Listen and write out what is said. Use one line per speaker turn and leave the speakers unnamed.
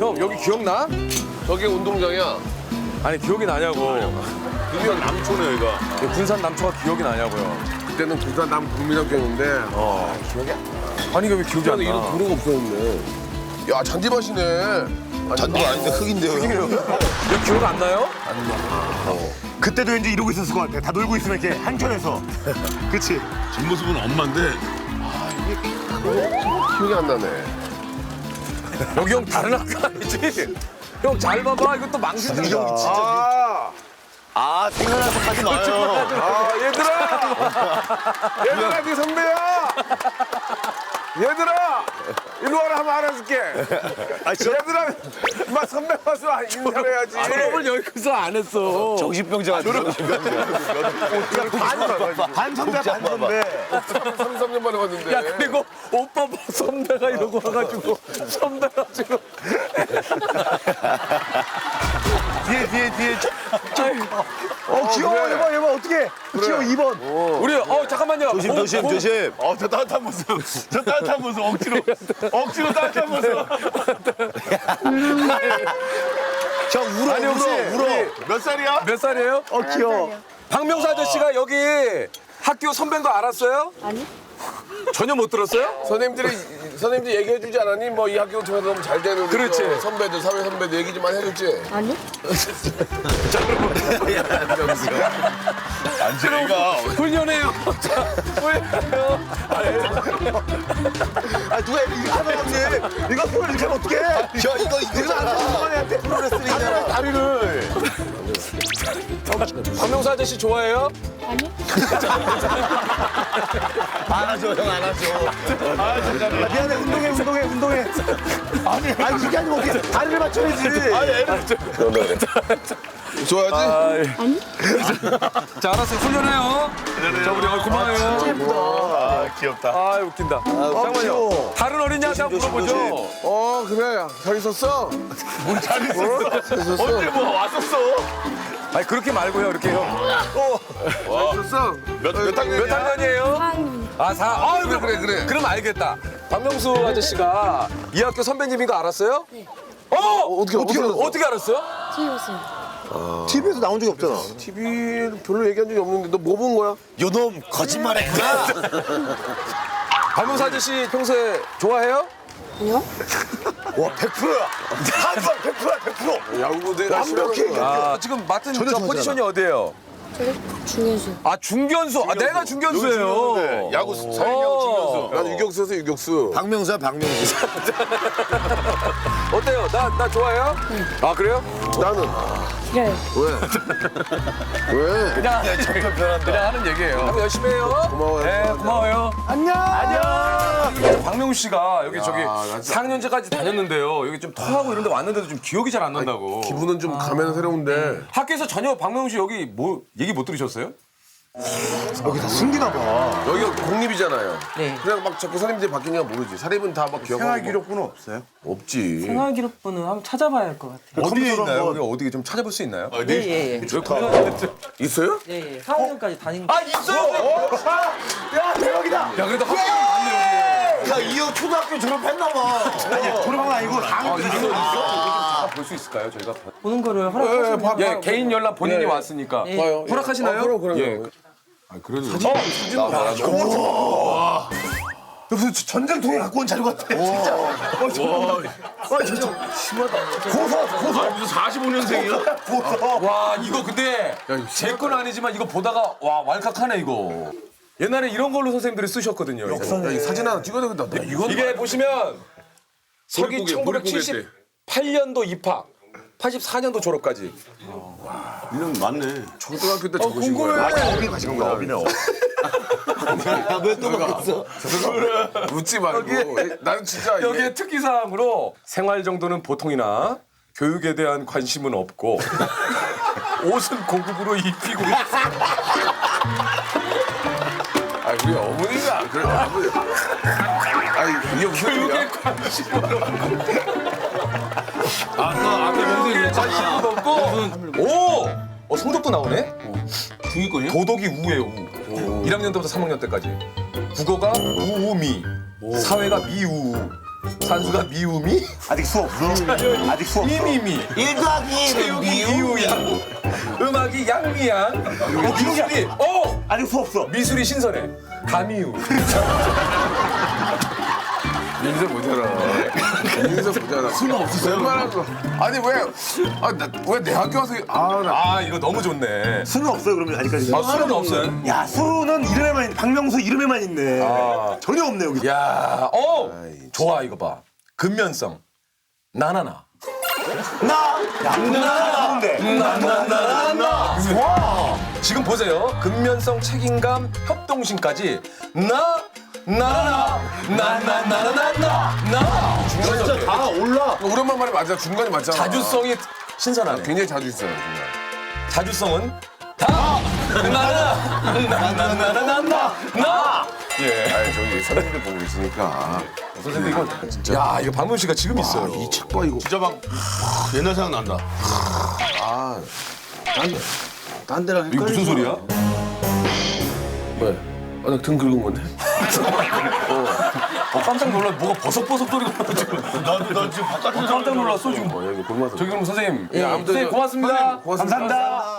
형 여기 기억나?
저게 운동장이야.
아니 기억이 나냐고.
군산 남초네 여기가.
군산 남초가 기억이 나냐고요.
그때는 군산 남국민학교였는데
기억이 아니 이게 왜 기억이 안
그때는 이런
나?
도로가 없었는데. 야 잔디밭이네.
잔디가 아닌데 흙인데요.
이거 기억 안 나요?
그때도 왠지 이러고 있었을 것 같아. 다 놀고 있으면 이렇게 한켠에서. 그치?
뒷모습은 엄마인데
기억이 안 나네.
여기 형 다른 학교 아니지? 형 잘 봐봐 이것도 망신다.
생각나서 가지 마요.
얘들아 네 선배야. 얘들아 이리 와라 한번 알아줄게. 얘들아 막 선배 와서 인사를 해야지.
졸업을 여기서 안 했어.
정신병자 같은 반 선배, 반 선배.
33년 만에 봤는데.
야 그리고 오빠 봐 선배가 이러고 와가지고 선배가 지금
뒤에. 귀여워. 얘봐, 어떡해. 귀여워, 2번.
우리 잠깐만요.
조심.
저 따뜻한 모습. 억지로 따뜻한 모습.
형 울어
아니 혹시
울어.
몇 살이야?
몇 살이에요?
귀여워.
박명수 아저씨가 여기 학교 선배인 거 알았어요?
아니?
전혀 못 들었어요?
선생님들이 얘기해주지 않았니? 뭐 이 학교 통해서 너무 잘 되는
그렇지.
저 선배들 사회 선배들 얘기 좀 많이 해줬지.
아니?
안재이가
훈련해요. 자, 훈련해요.
누가 이렇게 하면 형님. 이거 보면 이렇게 하면 어떡해.
저 이거
한테 프로레슬링이잖아. 다리를.
박명수 아저씨 좋아해요?
아니?
안아줘, 형 안아줘. 미안해, 운동해. 아니, 그게 아니고 어떻게 다리를 맞춰야지.
좋아하지?
아니?
자 알았어요. 훈련해요. 자 우리 고마워요.
귀엽다.
아 웃긴다. 잠깐만요. 다른 어린이한테 한번 물어보죠.
그래 잘 있었어?
잘 있었어. 언제 뭐 왔었어?
아니 그렇게 말고요. 이렇게 형.
잘 있었어?
몇 학년이야?
몇 학년이에요?
4학년.
아 4.
그래.
그럼 알겠다. 박명수 아저씨가 이 학교 선배님인 거 알았어요? 네. 어떻게 알았어요?
TV였어요.
TV에서 나온 적이 없잖아.
TV 별로 얘기한 적이 없는데 너 뭐 본 거야?
요놈 거짓말했구나.
박명수 아저씨 평소에 좋아해요?
아니요?
와, 100%야. 한번 100%야, 100%.
야구 내가
완벽해.
아 지금 맡은 저 포지션이 어디예요?
저기 중현수.
아 중견수. 아 내가 중견수예요.
야구 사인야구 중견수. 난 유격수에서 유격수.
박명수야 박명수.
어때요? 나 좋아해요? 아 그래요?
나는
그래요.
왜?
그냥 하는 얘기예요. 한번 열심히 해요.
고마워요.
네, 고마워요.
안녕.
박명수 씨가 여기 저기 4학년제까지 다녔는데요. 여기 좀 토하고 이런 데 왔는데도 좀 기억이 잘 안 난다고.
기분은 좀 가면 새로운데.
학교에서 전혀 박명수 씨 여기 뭐 얘기 못 들으셨어요?
여기 다 숨기나 봐.
여기가 공립이잖아요.
네.
그냥 막 자꾸 선생님들이 바뀌니까 모르지. 사립은 다 막 기억하고.
생활 기록부는 없어요?
없지.
생활 기록부는 한번 찾아봐야 할 것 같아요.
어디에 있나요?
여기 어디 좀 찾아볼 수 있나요?
예.
있어요?
예. 4학년까지 다닌 거.
아 있어요.
야, 대박이다.
야 그래도 학교 갔네 여기.
야 이형 초등학교 졸업했나 봐.
아니, 졸업한 건 아니고
볼 수 있을까요? 저희가
보는 거를 허락하시면
예 개인 연락 본인이 왔으니까
예.
허락하시나요?
그럼.
예.
무슨 전쟁통에 갖고 온 자료 같아. 진짜. 진짜 심하다. 고서.
무슨 45년생이야?
와 이거 근데 제 건 아니지만 이거 보다가 와 왈칵하네 이거. 옛날에 이런 걸로 선생님들이 쓰셨거든요.
야, 이 사진 하나 찍어야 되겠다. 나 이거
이게 보시면 서기
몰입국에
1978년도 입학, 84년도 졸업까지.
1년 맞네.
초등학교 때 적으신 거야.
어디 가신 거야?
왜또 바뀌었어?
웃지 말고. 나는 진짜 이게
여기에 특기사항으로 생활 정도는 보통이나 교육에 대한 관심은 없고 옷은 고급으로 입히고
아 우리 어머니가 그래 어머니. 아니 이게 무슨
교육에
소리야?
관심은
아까 명수 얘기했잖아.
없고 오! 성적도 나오네?
중위권이야?
도덕이 우예요 우. 1학년 때부터 3학년 때까지 국어가 우우미 사회가 미우 산수가 미우미?
아직 수 없어? 아직 수 없어?
미미미.
1 더하기
체육이 미우양. 음악이 양미양. 미술이
아직 수 없어?
미술이 신선해. 가미우.
인생 보잖아. 인생 보잖아. 수는 없었어요? 얼마나 아니 왜 내 학교 와서
아 이거 너무 좋네.
수는 없어요 그러면 아직까지?
아 수는 없어요?
야 수는 이름에만 박명수 이름에만 있네. 전혀 없네 여기.
야, 좋아 이거 봐. 근면성. 나나나. 나나나나나나나. 와. 지금 보세요. 근면성, 책임감, 협동심까지 나나나 나나나나나나.
진짜 다 올라.
오랜만 말이 맞아. 중간이 맞잖아.
자주성이 신선하네.
굉장히 자주 있어요. 정말.
자주성은 다 나나나나나나나. 예.
아니 저기 선생님들 보고 있으니까.
선생님 이거 진짜. 야 이거 박문 씨가 지금 있어요.
이 책 봐 이거.
진짜 막 옛날 생각 난다.
아
딴 데랑
이거 무슨 소리야?
왜? 나 등 긁은 건데.
깜짝 놀라. 뭐가 버석버석 소리가 나지고.
나도 지금 바깥에서
깜짝 놀랐어 지금.
여기 골마서.
저기 그럼 선생님.
예,
선생님 고맙습니다.
고맙습니다.
감사합니다.